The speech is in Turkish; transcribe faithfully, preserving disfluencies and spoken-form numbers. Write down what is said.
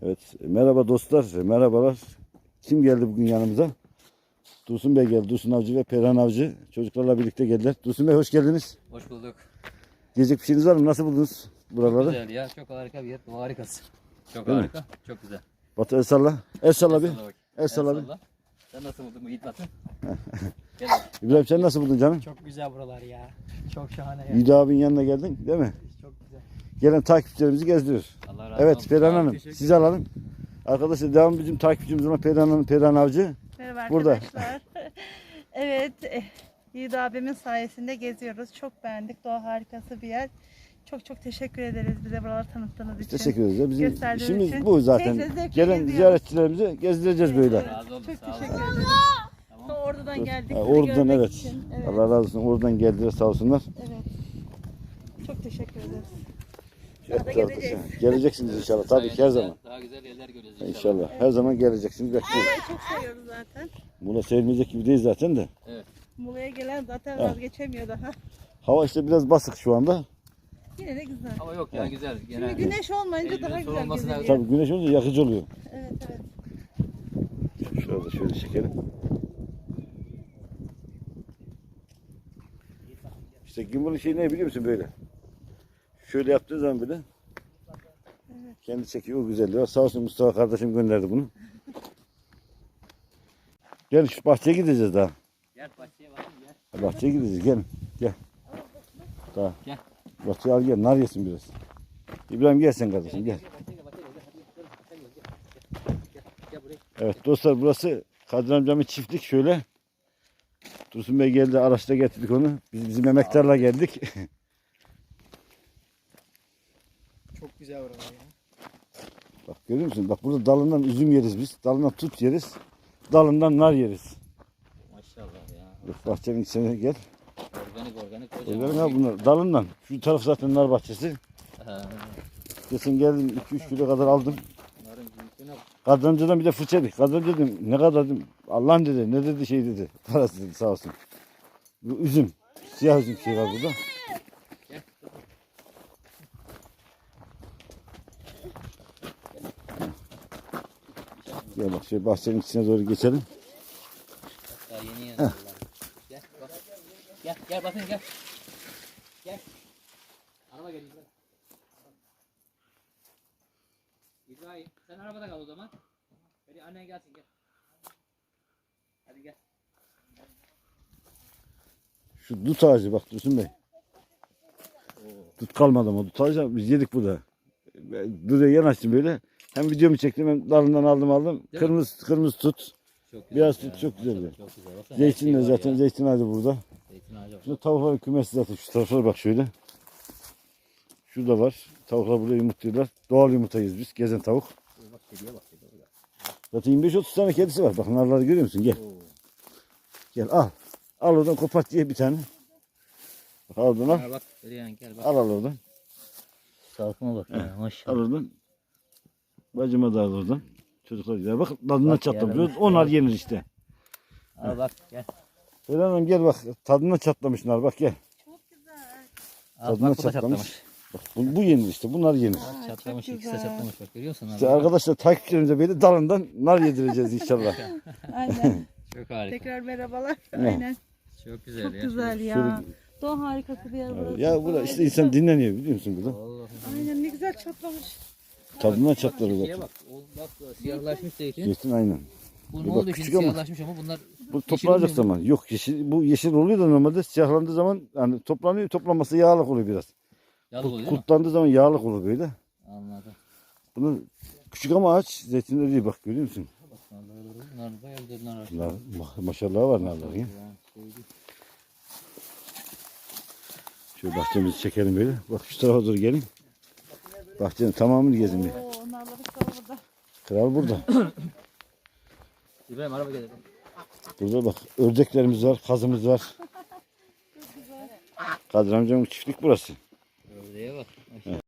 Evet, merhaba dostlar, merhabalar. Kim geldi bugün yanımıza? Dursun Bey geldi, Dursun Avcı ve Perihan Avcı. Çocuklarla birlikte geldiler. Dursun Bey hoş geldiniz. Hoş bulduk. Diyecek bir şeyiniz var mı? Nasıl buldunuz buraları? Çok güzel ya, çok harika bir yer. Bu harikasın. Çok Değil mi? harika, çok güzel. Batu el salla. El salla bir. El salla bak. El salla bir. salla. Sen nasıl buldun bu Yiğit Batı? Gel. İbrahim sen nasıl buldun canım? Çok güzel buralar ya. Çok şahane ya. Yiğit abinin yanına geldin değil mi? Çok güzel. Gelen takipçilerimizi gezdiriyoruz. Allah razı Evet olsun. Perihan Sağ ol, Hanım teşekkür sizi alalım. Arkadaşlar devam bizim takipçimiz olan Perihan Hanım, Perihan Avcı. Merhaba Burada. arkadaşlar. Evet, eh, Yiğit abimin sayesinde geziyoruz. Çok beğendik. Doğa harikası bir yer. Çok çok teşekkür ederiz bize buraları tanıttığınız için. Teşekkür ederiz. ya. Bizim Gösterdiğiniz işimiz için. bu zaten. Keyifle, zevkle Gelen geziyoruz. ziyaretçilerimizi gezdireceğiz böyle. Evet, Razı olun, çok sağ olun. teşekkür ederiz. Tamam. Ta Ordu'dan geldik. Ha, sizi oradan görmek evet. için. Evet. Allah razı olsun. Oradan geldiler sağ olsunlar. Evet. Çok teşekkür ederiz. Evet, Daha da tabii. geleceğiz. Geleceksiniz inşallah. Tabii ki her Sayenizde zaman. Daha güzel yerler göreceğiz inşallah. İnşallah. Her zaman geleceksiniz. Bekliyoruz. Muğla'yı çok seviyoruz zaten. Buna sevilmeyecek gibi değil zaten de. Evet. Muğla'ya gelen zaten Evet. vazgeçemiyor daha. Hava işte biraz basık şu anda. Yine de güzel. Ama yok ya, güzel. Şimdi Genel. güneş olmayınca Elbette daha güzel olmasına- geziliyor. Tabii güneş olunca yakıcı oluyor. Evet evet. Şurada şöyle çekelim. İşte gimbal'ın şeyi ne biliyor musun böyle? Şöyle yaptığı zaman böyle kendi çekiyor, o güzelliği var. Sağ olsun Mustafa kardeşim gönderdi bunu. Gel şu bahçeye gideceğiz daha. Gel bahçeye bakın gel. Bahçeye gideceğiz gel. Gel. Daha. Gel. Bahçeye al gel, nar yesin biraz. İbrahim gel sen kardeşim gel. Bahçeye gel, bahçeye gel. Hadi gel, sen gel, gel. Gel, gel buraya. Evet dostlar burası Kadir amcamın çiftlik şöyle. Dursun Bey geldi, araçta getirdik onu. Biz bizim emektarla geldik. Çok güzel buralar ya. Bak görüyor musun? Bak burada dalından üzüm yeriz biz. Dalından tut yeriz. Dalından nar yeriz. Maşallah ya. Bak bahçenin içine gel. Organik organik Öyle kocaman. mi bunlar? Dalından. Şu taraf zaten nar bahçesi. Ha, Geçen geldim iki üç kilo kadar aldım. Narın büyüklüğüne bak. Kadir amcadan bir de fırça yedik. Kadir amca dedim ne kadar dedim. Allah'ın dedi ne dedi şey dedi. Parası dedi sağ olsun. Bu üzüm. Siyah üzüm şey var burada. Gel bak şöyle bahçenin içine doğru geçelim. Daha yeni yeni. Gel bak. Gel gel bakın gel. Gel. Araba gel İbrahim. İbrahim sen arabada kal o zaman. Hadi annen gelsin gel. Hadi gel. Şu dut ağacı bak Dursun Bey. Dut kalmadı ama dut ağacı biz yedik burada. Duruya yanaştım böyle. Hem videomu çektim hem dalından aldım aldım. Değil Kırmızı kırmızı tut. Çok Beyaz ya, tut çok güzel. maşallah, Çok güzel. Baksana, her Zeytin şey de var zaten ya. zeytin ağacı burada. Zeytin ağacı var. Şurada tavukların kümesi zaten şu taraflara bak şöyle. Şurada var. Tavuklar burada yumurtluyorlar. Doğal yumurtayız biz. Gezen tavuk. Bak kediye bak kediye bak. Zaten yirmi beş otuz tane kedisi var. Bak narları görüyor musun? Gel. Oo. Gel al. Al oradan kopart diye bir tane. Bak al oradan al. Ha, bak Perihan gel bak. Al al oradan. Salkıma bak ya Al maşallah. oradan. Bacıma da al oradan. Çocuklar güzel. Bak tadından Bak çatlamış. ya. Onlar yenir işte. Al bak gel. Selen Hanım gel bak. Tadından çatlamış nar. Bak gel. Çok güzel. Al Tadına bak bu da çatlamış. çatlamış. Bak, bu, bu yenir işte. Bunlar yenir. Aa, Çatlamış çok ikisi de güzel. çatlamış bak görüyor musun? İşte abi? arkadaşlar takipçilerimize böyle dalından nar yedireceğiz inşallah. Aynen. Çok harika. Tekrar merhabalar. Ne? Aynen. Çok güzel Çok ya. güzel ya. şöyle- Doğa harikası bir yer burası. Ya burada işte insan dinleniyor biliyor musun burada? Allah'ım. Aynen ne güzel çatlamış. Tadından çatlar Şeye zaten. bak. O, bak siyahlaşmış zeytin. Zeytin aynen. Bu Bir ne bak, oldu küçük şimdi ama. siyahlaşmış ama bunlar Bu yeşil toplanacak olmuyor mu? zaman. Yok yeşil, bu yeşil oluyor da normalde siyahlandığı zaman yani toplanıyor, toplanması yağlık oluyor biraz. Yalı oluyor değil mi? Kurtlandığı zaman yağlık olur böyle. Anladım. Bunun küçük ama ağaç zeytinleri değil bak görüyor musun? Bak narlar nar bayağı güzel nar var. Nar, ma- maşallah var narların ya. Yani şey değil. Şöyle bahçemizi çekelim böyle. Bak şu tarafa doğru gelin. Bahçenin tamamını gezin bir. Oo, onlarla kal burada. Kral burada. İbrahim araba gel. Burada bak ördeklerimiz var, kazımız var. Kadir amcamın çiftlik burası. Ördeğe bak. Maşallah.